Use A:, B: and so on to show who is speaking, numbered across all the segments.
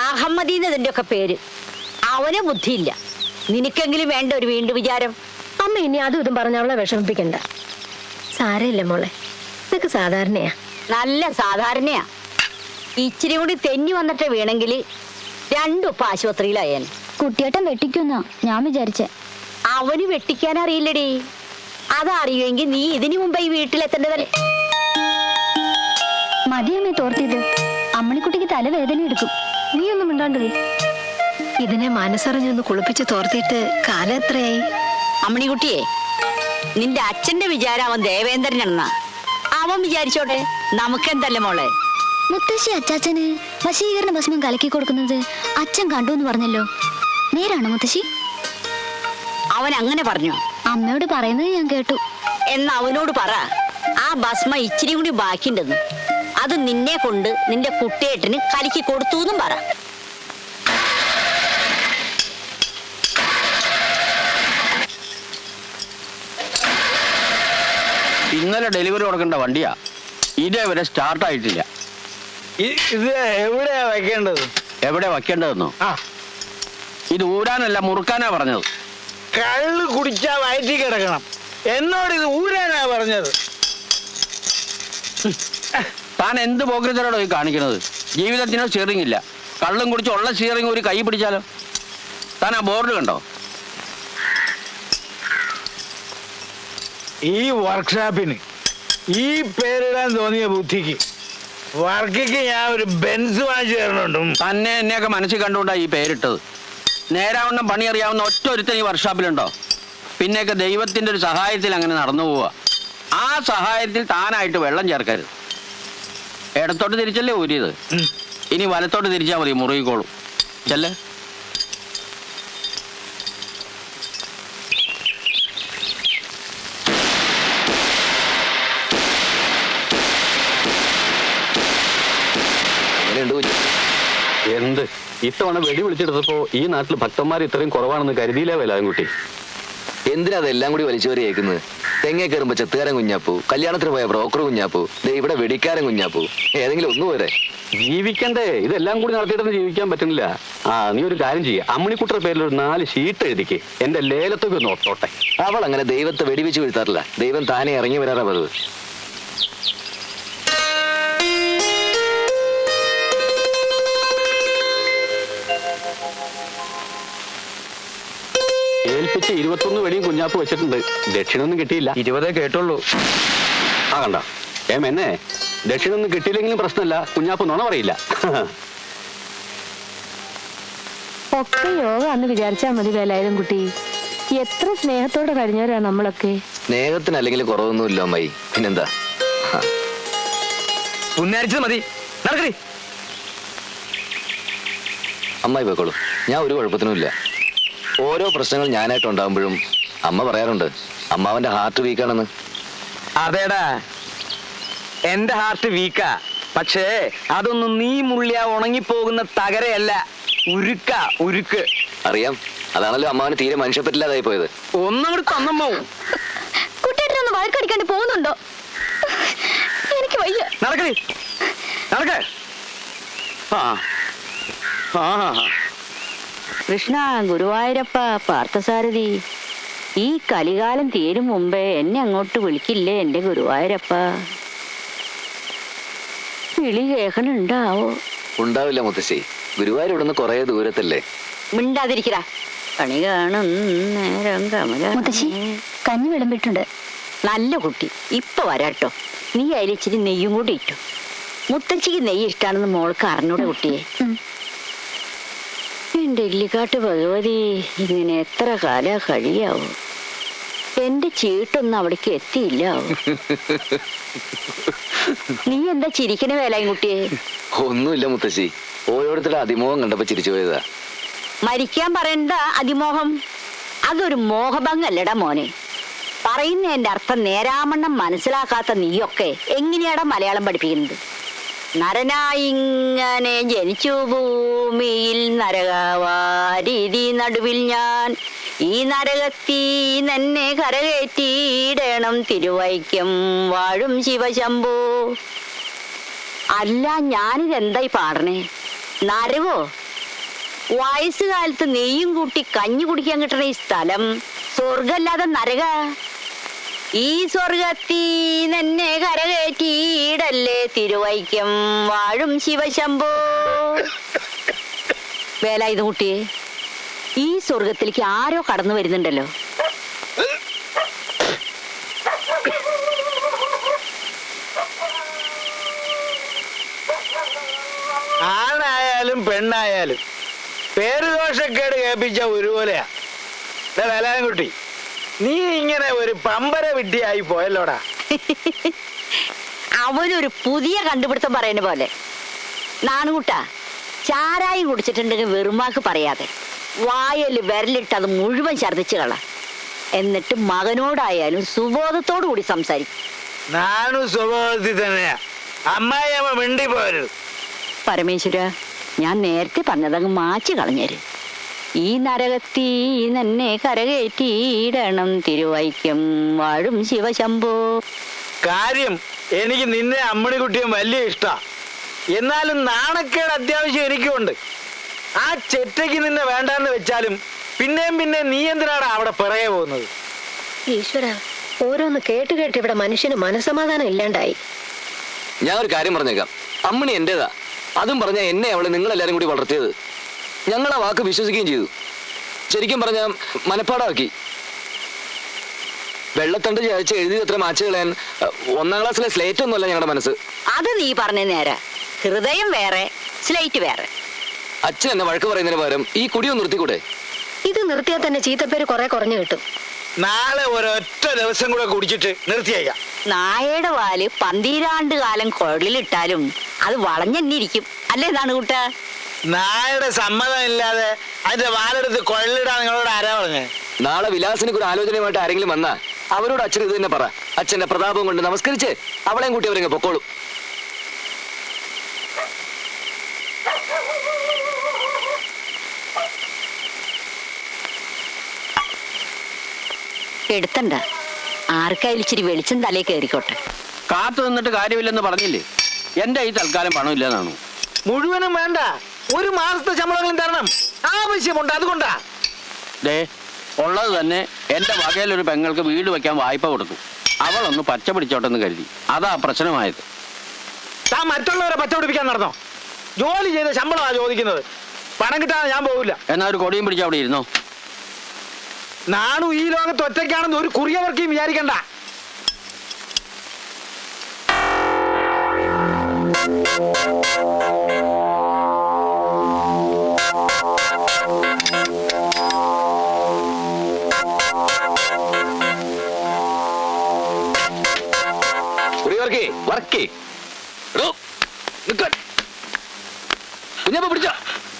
A: അഹമ്മദീന്നതിന്റെ ഒക്കെ പേര്. അവന് ബുദ്ധിയില്ല. നിനക്കെങ്കിലും വേണ്ട ഒരു വീണ്ടും വിചാരം.
B: അമ്മ ഇനി അതും ഇതും പറഞ്ഞ അവളെ വിഷമിപ്പിക്കണ്ട. സാരമില്ല മോളെ, ഇതൊക്കെ സാധാരണയാ.
A: നല്ല സാധാരണയാ. ഇച്ചിരി കൂടി തെന്നി വന്നിട്ട് വീണെങ്കിൽ രണ്ടും ആശുപത്രിയിലായേൻ.
C: കുട്ടിയേട്ടൻ വെട്ടിക്കുന്ന ഞാൻ വിചാരിച്ചേ.
A: അവന് വെട്ടിക്കാൻ അറിയില്ലടി. അതറിയുമെങ്കിൽ നീ ഇതിനു മുമ്പ് ഈ വീട്ടിലെത്തേണ്ടതല്ലേ.
C: മതിയമ്മേ തോർത്തിയത്. അമ്മണിക്കുട്ടിക്ക് തലവേദന എടുക്കും.
B: നീ ഒന്നും മിണ്ടാണ്ടേ. ഇതിനെ മനസ്സറിഞ്ഞൊന്ന് കുളിപ്പിച്ച് തോർത്തിയിട്ട് കാലം എത്രയായി?
A: അമ്മണിക്കുട്ടിയെ, നിന്റെ അച്ഛന്റെ വിചാരം അവൻ ദേവേന്ദ്രനാണെന്നാ. അവൻ വിചാരിച്ചോട്ടെ, നമുക്കെന്തല്ലേ മോളെ.
C: മുത്തശ്ശി അച്ചാച്ചന് വശീകരണ ഭസ്മം കലക്കി കൊടുക്കുന്നത് അച്ഛൻ കണ്ടു എന്ന് പറഞ്ഞല്ലോ, നേരാണോ മുത്തശ്ശി?
A: അവൻ അങ്ങനെ പറഞ്ഞു.
C: അമ്മയോട് പറയുന്നത് ഞാൻ കേട്ടു.
A: എന്ന് അവനോട് പറ, ആ ഭസ്മ ഇച്ചിരി കൂടി ബാക്കിണ്ടെന്ന്. അത് നിന്നെ കൊണ്ട് നിന്റെ കുട്ടിയേട്ടന് കലക്കി കൊടുത്തു എന്നും പറ.
D: ഇന്നലെ ഡെലിവറി കൊടുക്കേണ്ട വണ്ടിയാ, ഇതേവരെ സ്റ്റാർട്ട് ആയിട്ടില്ല.
E: ഇത് എവിടെയാ വെക്കേണ്ടത്?
D: എവിടെ വെക്കേണ്ടതെന്നോ? ഇത് ഊരാനല്ല മുറുക്കാനാ പറഞ്ഞത്.
E: കള്ള് കുടിച്ചാ വയറ്റി കിടക്കണം. എന്നോട് ഇത് ഊരാനാ പറഞ്ഞത്.
D: താൻ എന്ത് പോക്കറ്റിലോടോ ഈ കാണിക്കുന്നത്? ജീവിതത്തിനോ സ്റ്റിയറിംഗ് ഇല്ല. കള്ളും കുടിച്ച് ഉള്ള സ്റ്റിയറിംഗ് ഒരു കൈ പിടിച്ചാലോ? താൻ ആ ബോർഡ് കണ്ടോ?
E: ഈ വർക്ക്ഷോപ്പിന് ഈ പേരിടാൻ തോന്നിയ ബുദ്ധിക്ക് വർക്കിക്ക് ഞാൻ ഒരു ബെൻസ് വാങ്ങിച്ചു തരണുണ്ടും.
D: തന്നെ എന്നെയൊക്കെ മനസ്സിൽ കണ്ടുകൊണ്ടാ ഈ പേരിട്ടത്. നേരാവണ്ണം പണി അറിയാവുന്ന ഒറ്റ ഒരുത്തൻ ഈ വർക്ക്ഷോപ്പിലുണ്ടോ? പിന്നെയൊക്കെ ദൈവത്തിന്റെ ഒരു സഹായത്തിൽ അങ്ങനെ നടന്നു പോവുക. ആ സഹായത്തിൽ താനായിട്ട് വെള്ളം ചേർക്കരുത്. ഇടത്തോട്ട് തിരിച്ചല്ലേ ഊരിയത്, ഇനി വലത്തോട്ട് തിരിച്ചാൽ മതി, മുറുകിക്കോളും. ചെല്ലേ.
F: എന്ത് ഇത്തവണ വെടി വിളിച്ചെടുത്തപ്പോ ഈ നാട്ടിൽ ഭക്തന്മാർ ഇത്രയും കുറവാണെന്ന് കരുതിയില്ല വേലാൻകുട്ടി.
G: എന്തിനാ അതെല്ലാം കൂടി വലിച്ചുവരി കേൾക്കുന്നത്? തെങ്ങേ കയറുമ്പോ ചെത്തുകാരൻ കുഞ്ഞാപ്പൂ, കല്യാണത്തിന് പോയ ബ്രോക്കർ കുഞ്ഞാപ്പൂ, ഇവിടെ വെടിക്കാരൻ കുഞ്ഞാപ്പൂ. ഏതെങ്കിലും ഒന്നു പോരെ?
F: ജീവിക്കണ്ടേ? ഇതെല്ലാം കൂടി നടത്തിയിട്ടൊന്നും ജീവിക്കാൻ പറ്റുന്നില്ല. നീ ഒരു കാര്യം ചെയ്യ, അമ്മണിക്കുട്ടയുടെ പേരിൽ ഒരു 4 ഷീറ്റ് എഴുതിക്ക്, എന്റെ ലേലത്തൊക്കെ ഒന്ന് ഒട്ടോട്ടെ.
G: അവൾ അങ്ങനെ ദൈവത്തെ വെടിവെച്ച് വീഴ്ത്താറില്ല. ദൈവം താനെ ഇറങ്ങി വരാറാ പതിവ്.
F: ഏൽപ്പിച്ച് 21 വെടിയും കുഞ്ഞാപ്പ് വെച്ചിട്ടുണ്ട്. ദക്ഷിണൊന്നും കിട്ടിയില്ല.
D: 20 കേട്ടുള്ളൂ.
F: കണ്ട എന്നെ ദക്ഷിണൊന്നും കിട്ടിയില്ലെങ്കിലും പ്രശ്നമില്ല, കുഞ്ഞാപ്പ് നുണ പറയില്ല.
B: ഒക്കെ യോഗ എന്ന് വിചാരിച്ചാ മതി വേലായുധം കുട്ടി. എത്ര സ്നേഹത്തോടെ കഴിഞ്ഞവരാ നമ്മളൊക്കെ.
G: സ്നേഹത്തിന് അല്ലെങ്കിൽ കുറവൊന്നുമില്ല അമ്മായി, പിന്നെന്താ?
E: പുന്നാരിച്ചത് മതി. നടക്കടി.
G: അമ്മായി പോയിക്കോളൂ, ഞാൻ ഒരു കുഴപ്പത്തിനുമില്ല. ഓരോ പ്രശ്നങ്ങൾ ഞാനായിട്ട് ഉണ്ടാകുമ്പോഴും അമ്മ പറയാറുണ്ട് അമ്മാവന്റെ ഹാർട്ട് വീക്കാണെന്ന്.
E: അതേടാ, എന്റെ ഹാർട്ട് വീക്കാ. പക്ഷേ അതൊന്നും നീ മുള്ളിയ ഉണങ്ങിപ്പോകുന്ന തകരയല്ല, ഉരുക്ക, ഉരുക്ക്.
G: അറിയാം, അതാണല്ലോ അമ്മാവന് തീരെ മനുഷ്യപ്പറ്റില്ലാതായി പോയത്.
E: ഒന്നങ്ങോട്ട് തന്നമ്മോ.
C: കുട്ടിയേട്ടനൊന്ന് വഴക്കടിക്കാണ്ട് പോകുന്നുണ്ടോ? എനിക്ക് വയ്യ.
E: നടക്കടി, നടക്ക.
A: കൃഷ്ണ, ഗുരുവായൂരപ്പ, പാർത്ഥസാരഥി, ഈ കലികാലം തീരും മുമ്പേ എന്നെ അങ്ങോട്ട് വിളിക്കില്ലേ എന്റെ ഗുരുവായൂരപ്പ? വിളി കേൾക്കണുണ്ടാവോ?
G: ഉണ്ടാവില്ല മുത്തശ്ശി, ഗുരുവായൂർ ഇവിടുന്ന് കുറെ ദൂരത്തല്ലേ.
A: മിണ്ടാതിരിക്കടാ. കണി കാണും നേരം കമല.
C: മുത്തശ്ശി കഞ്ഞി വിളമ്പിട്ടുണ്ട്.
A: നല്ല കുട്ടി, ഇപ്പൊ വരാട്ടോ. നീ അതിൽ ഇച്ചിരി നെയ്യും കൂടി ഇട്ടു. മുത്തച്ഛിക്ക് നെയ്യ് ഇഷ്ടാണെന്ന് മോൾക്ക് അറിഞ്ഞൂടെ കുട്ടിയെ? എന്റെ ഇല്ലിക്കാട്ട് ഭഗവതി, ഇങ്ങനെ എത്ര കാലാ കഴിയാവോ? എന്റെ ചീട്ടൊന്നും അവിടേക്ക് എത്തിയില്ലാവോ? നീ എന്താ ചിരിക്കണ വേലായും കുട്ടിയെ?
G: ഒന്നുമില്ല മുത്തശ്ശി, ഓരോരുത്തരുടെ അതിമോഹം കണ്ടപ്പോ ചിരിച്ചു പോയതാ.
A: മരിക്കാൻ പറയണ്ട അതിമോഹം. അതൊരു മോഹഭംഗല്ലടാ മോനെ. പറയുന്നതിന്റെ അർത്ഥം നേരാമണ്ണം മനസ്സിലാക്കാത്ത നീയൊക്കെ എങ്ങനെയാടാ മലയാളം പഠിപ്പിക്കുന്നത്? നരനായിങ്ങനെ ജനിച്ചു ഭൂമിയിൽ നരകവാരിതി നടുവിൽ ഞാൻ, ഈ നരകത്തീ തന്നെ കരകയറ്റിയിടണം തിരുവൈക്കം വാഴും ശിവശംഭോ. അല്ല, ഞാനിതെന്തായി പാടണേ? നരകോ? വയസ്സുകാലത്ത് നെയ്യും കൂട്ടി കഞ്ഞി കുടിക്കാൻ കിട്ടണ ഈ സ്ഥലം സ്വർഗല്ലാതെ നരക. ഈ സ്വർഗത്തീ തന്നെ കരകയറ്റിയിടല്ലേ തിരുവൈക്കം വാഴും ശിവശംഭോ. വേലായുധ കുട്ടിയെ, ഈ സ്വർഗത്തിലേക്ക് ആരോ കടന്നു വരുന്നുണ്ടല്ലോ.
E: ആണായാലും പെണ്ണായാലും പേരുദോഷക്കേട് കേൾപ്പിച്ച ഒരുപോലെയാ. വേലാൻകുട്ടി, നീ ഇങ്ങനെ ഒരു പമ്പര വിഡ്ഢിയായി പോയല്ലോടാ.
A: അവനൊരു പുതിയ കണ്ടുപിടുത്തം പറയുന്ന പോലെ. നാണുകുട്ട, ചാരായം കുടിച്ചിട്ടുണ്ടെങ്കിൽ വെറുമാക്ക് പറയാതെ വായല് വിരലിട്ട് അത് മുഴുവൻ ഛർദ്ദിച്ചു കള. എന്നിട്ട് മകനോടായാലും സുബോധത്തോടു കൂടി സംസാരിക്കും.
E: നാണു സ്വഭാവത്തിൽ തന്നെയാ. അമ്മായി അമ്മ മിണ്ടി പോരുത്.
A: പരമേശ്വര, ഞാൻ നേരത്തെ പറഞ്ഞതങ്ങ് മാച്ചു കളഞ്ഞേര്. ഈ നരകത്തീ തന്നെ കരകയറ്റിയിടണം തിരുവൈക്കം വാഴും ശിവശംഭോ.
E: കാര്യം എനിക്ക് നിന്നെ അമ്മണിക്കുട്ടിയും വലിയ ഇഷ്ടാ. എന്നാലും നാണക്കേട് അത്യാവശ്യം എനിക്കുണ്ട്. ആ ചെറ്റയ്ക്ക് നിന്നെ വേണ്ടാന്ന് വെച്ചാലും പിന്നെയും പിന്നെ നീ എന്തിനാടാ അവിടെ പിറകെ പോകുന്നത്?
B: ഈശ്വര, ഓരോന്ന് കേട്ട് കേട്ട് ഇവിടെ മനുഷ്യന് മനസമാധാനം ഇല്ലാണ്ടായി.
G: ഞാൻ ഒരു കാര്യം പറഞ്ഞേക്കാം. അമ്മണി എന്റേതാ. അതും പറഞ്ഞ എന്നെ അവള് നിങ്ങളെല്ലാരും കൂടി വളർത്തിയത്. ഞങ്ങൾ ആ വാക്ക് വിശ്വസിക്കുകയും ചെയ്തു. ശരിക്കും പറഞ്ഞ മനപ്പാടാക്കി. വെള്ളത്തണ്ട് ചായച്ച് എഴുതി അത്ര മാച്ച് കളയാൻ 1ാം ക്ലാസ്സിലെ സ്ലേറ്റ് ഒന്നുമല്ല ഞങ്ങളുടെ മനസ്സ്.
A: അത് നീ പറഞ്ഞ നേരെ. ഹൃദയം വേറെ, സ്ലേറ്റ് വേറെ.
G: അച്ഛൻ എന്നെ വഴക്ക് പറയുന്നതിന് പകരം ഈ കുടിയൊന്ന് നിർത്തിക്കൂടെ?
B: ഇത് നിർത്തിയാൽ തന്നെ ചീത്തപ്പേര് കുറെ കുറഞ്ഞു കിട്ടും.
E: നാളെ ഒരൊറ്റ ദിവസം കൂടെ കുടിച്ചിട്ട് നിർത്തിയേക്കാം.
A: നായയുടെ വാല് 12 കാലം കുഴലിലിട്ടാലും അത് വളഞ്ഞെന്നിരിക്കും. അല്ലേ ഇതാണ് കൂട്ട?
E: നായയുടെ സമ്മതം ഇല്ലാതെ അതിന്റെ വാലെടുത്ത് കൊള്ളിടാൻ നിങ്ങളോട് ആരാ പറഞ്ഞേ?
G: നാളെ വിലാസിനൊക്കെ ഒരു ആലോചനയുമായിട്ട് ആരെങ്കിലും വന്നാ അവരോട് അച്ഛൻ ഇത് തന്നെ പറ. അച്ഛന്റെ പ്രതാപം കൊണ്ട് നമസ്കരിച്ച് അവളെയും കൂട്ടി അവരെങ്ങ് പൊക്കോളും.
A: എടുത്തണ്ട, ആർക്കായാലും ഇച്ചിരി വെളിച്ചം തലേ കയറിക്കോട്ടെ.
D: കാത്തു നിന്നിട്ട് കാര്യമില്ലെന്ന് പറഞ്ഞില്ലേ? എന്റെ ഈ തൽക്കാലം പണമില്ലെന്നാണു.
E: മുഴുവനും വേണ്ട, 1 മാസത്തെ ശമ്പളങ്ങളും തരണം. ആവശ്യമുണ്ട്, അതുകൊണ്ടാ.
D: ദേ, ഉള്ളത് തന്നെ എന്റെ വകയിലൊരു പെങ്ങൾക്ക് വീട് വെക്കാൻ വായ്പ കൊടുത്തു. അവളൊന്ന് പച്ച പിടിച്ചോട്ടെന്ന് കരുതി. അതാ പ്രശ്നമായത്.
E: താൻ മറ്റുള്ളവരെ പച്ച പിടിപ്പിക്കാൻ നടന്നോ? ജോലി ചെയ്ത ശമ്പളമാ ചോദിക്കുന്നത്. പണം കിട്ടാതെ ഞാൻ പോകില്ല.
D: എന്നാ ഒരു കൊടിയും പിടിച്ച് അവിടെ ഇരുന്നോ.
E: നാണു ഈ ലോകത്ത് ഒറ്റയ്ക്കാണെന്ന് ഒരു കുറിയവർക്കും വിചാരിക്കണ്ട.
G: കുഞ്ഞപ്പ പിടിച്ചോ.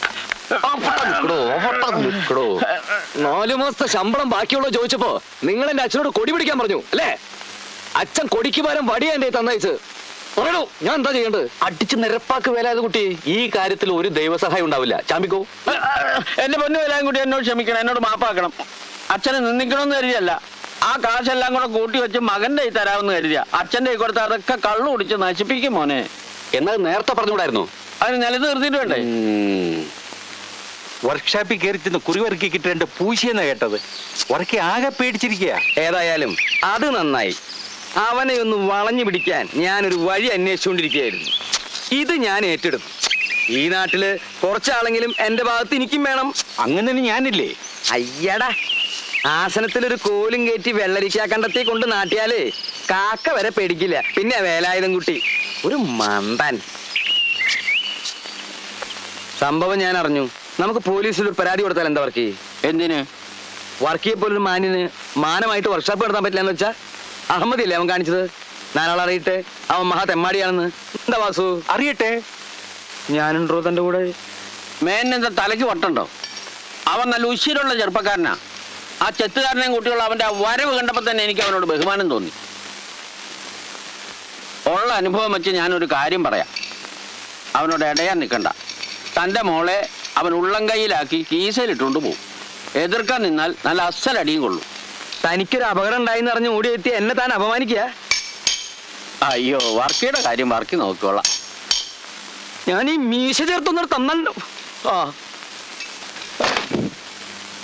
G: 4 മാസത്തെ ശമ്പളം ബാക്കിയുള്ള ചോദിച്ചപ്പോ നിങ്ങൾ എന്റെ അച്ഛനോട് കൊടി പിടിക്കാൻ പറഞ്ഞു അല്ലേ? അച്ഛൻ കൊടിക്ക് പകരം വടിയാ എന്റെ തന്നയച്ച്. പറയണോ, ഞാൻ എന്താ ചെയ്യേണ്ടത്?
F: അടിച്ച് നിരപ്പാക്ക് വേലായത് കുട്ടി. ഈ കാര്യത്തിൽ ഒരു ദൈവസഹായം ഉണ്ടാവില്ല. ചാമ്പിക്കോ.
D: എന്റെ പൊന്നു എല്ലാം കൂടി എന്നോട് ക്ഷമിക്കണം, എന്നോട് മാപ്പാക്കണം. അച്ഛനെ നിന്ദിക്കണമെന്ന് കരുതിയല്ല. ആ കാശെല്ലാം കൂടെ കൂട്ടി വെച്ച് മകന്റെ കൈ തരാമെന്ന് കരുതിയ. അച്ഛന്റെ കൈ കൊടുത്ത അതൊക്കെ കള്ളു കുടിച്ച് നശിപ്പിക്കും മോനെ.
F: എന്നാൽ നേരത്തെ പറഞ്ഞുകൂടായിരുന്നു?
D: അതിന് നിലത്ത് നിർത്തിയിട്ട് വേണ്ടേ?
H: വർക്ക്ഷോപ്പിൽ കയറി ചെന്ന് കുറിവറുക്കി കിട്ടേണ്ട പൂശിയെന്നാ കേട്ടത്. ഉറക്കി ആകെ പേടിച്ചിരിക്കുക.
G: ഏതായാലും അത് നന്നായി. അവനെ ഒന്ന് വളഞ്ഞു പിടിക്കാൻ ഞാനൊരു വഴി അന്വേഷിച്ചുകൊണ്ടിരിക്കുകയായിരുന്നു. ഇത് ഞാൻ ഏറ്റെടുത്തു. ഈ നാട്ടില് കുറച്ചാളെങ്കിലും എന്റെ ഭാഗത്ത് എനിക്കും വേണം.
H: അങ്ങനെ ഞാനില്ലേ?
G: അയ്യടാ, ആസനത്തിലൊരു കോലും കയറ്റി വെള്ളരിക്കാ കണ്ടത്തി കൊണ്ട് നാട്ടിയാലേ കാക്ക വരെ പേടിക്കില്ല. പിന്നെ വേലായുധം കുട്ടി ഒരു മന്ദൻ. സംഭവം ഞാൻ അറിഞ്ഞു. നമുക്ക് പോലീസിൽ ഒരു പരാതി കൊടുത്താൽ എന്താ വർക്ക്?
D: എന്തിന്?
G: വർക്കിയെ പോലൊരു മാന്യന് മാനമായിട്ട് വർക്ക്ഷോപ്പ് നടത്താൻ പറ്റില്ല എന്ന് വെച്ചാ അഹമ്മദില്ലേ അവൻ കാണിച്ചത്? നാലാൾ അറിയട്ടെ അവൻ മഹാ തെമ്മാടിയാണെന്ന്. എന്താ വാസു?
H: അറിയട്ടെ.
G: ഞാനുണ്ടോ തന്റെ കൂടെ?
D: മേനെന്താ തലയ്ക്ക് വട്ടുണ്ടോ? അവൻ നല്ല ഉശിരുള്ള ചെറുപ്പക്കാരനാ. ആ ചെത്തുകാരനെയും കുട്ടിയുള്ള അവന്റെ ആ വരവ് കണ്ടപ്പോ തന്നെ എനിക്ക് അവനോട് ബഹുമാനം തോന്നി. ഉള്ള അനുഭവം വെച്ച് ഞാനൊരു കാര്യം പറയാം. അവനോട് ഇടയാൻ നിൽക്കണ്ട. തന്റെ മോളെ അവൻ ഉള്ളം കൈയിലാക്കി കീസയിലിട്ടുകൊണ്ട് പോകും. എതിർക്കാൻ നിന്നാൽ നല്ല അസലടിയും കൊള്ളും.
G: തനിക്കൊരു അപകടം ഉണ്ടായിന്ന് അറിഞ്ഞ് ഓടിയെത്തി എന്നെ താൻ അപമാനിക്കുക?
D: അയ്യോ, വർക്കിയുടെ കാര്യം വർക്കി നോക്കിക്കോളാം.
G: ഞാൻ ഈ മീശ ചേർത്തൊന്നും തന്നല്ലോ. ആ
E: ആ